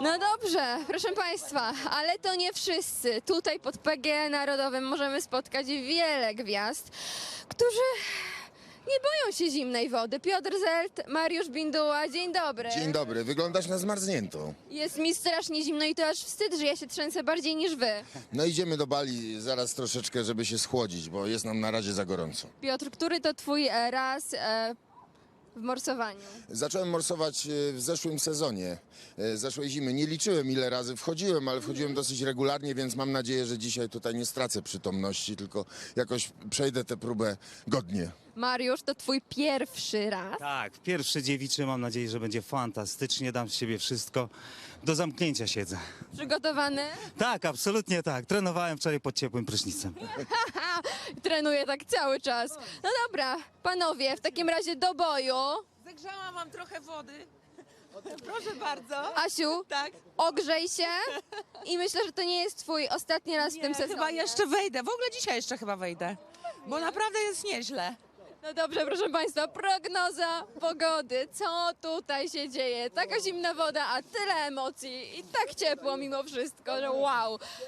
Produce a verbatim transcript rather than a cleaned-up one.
No dobrze, proszę Państwa, ale to nie wszyscy. Tutaj pod P G E Narodowym możemy spotkać wiele gwiazd, którzy nie boją się zimnej wody. Piotr Zelt, Mariusz Binduła, dzień dobry. Dzień dobry, wyglądasz na zmarzniętą. Jest mi strasznie zimno i to aż wstyd, że ja się trzęsę bardziej niż wy. No idziemy do Bali zaraz troszeczkę, żeby się schłodzić, bo jest nam na razie za gorąco. Piotr, który to twój e, raz e, w morsowaniu? Zacząłem morsować e, w zeszłym sezonie, e, zeszłej zimy. Nie liczyłem ile razy wchodziłem, ale wchodziłem dosyć regularnie, więc mam nadzieję, że dzisiaj tutaj nie stracę przytomności, tylko jakoś przejdę tę próbę godnie. Mariusz, to twój pierwszy raz. Tak, pierwszy dziewiczy, mam nadzieję, że będzie fantastycznie, dam z siebie wszystko. Do zamknięcia siedzę. Przygotowany? Tak, absolutnie tak. Trenowałem wczoraj pod ciepłym prysznicem. Trenuję tak cały czas. No dobra, panowie, w takim razie do boju. Zagrzałam wam trochę wody. Proszę bardzo. Asiu, Tak. ogrzej się i myślę, że to nie jest twój ostatni raz w tym Nie, sezonie. chyba jeszcze wejdę. W ogóle dzisiaj jeszcze chyba wejdę. Bo naprawdę jest nieźle. No dobrze, proszę Państwa, prognoza pogody. Co tutaj się dzieje? Taka zimna woda, a tyle emocji i tak ciepło mimo wszystko, że wow.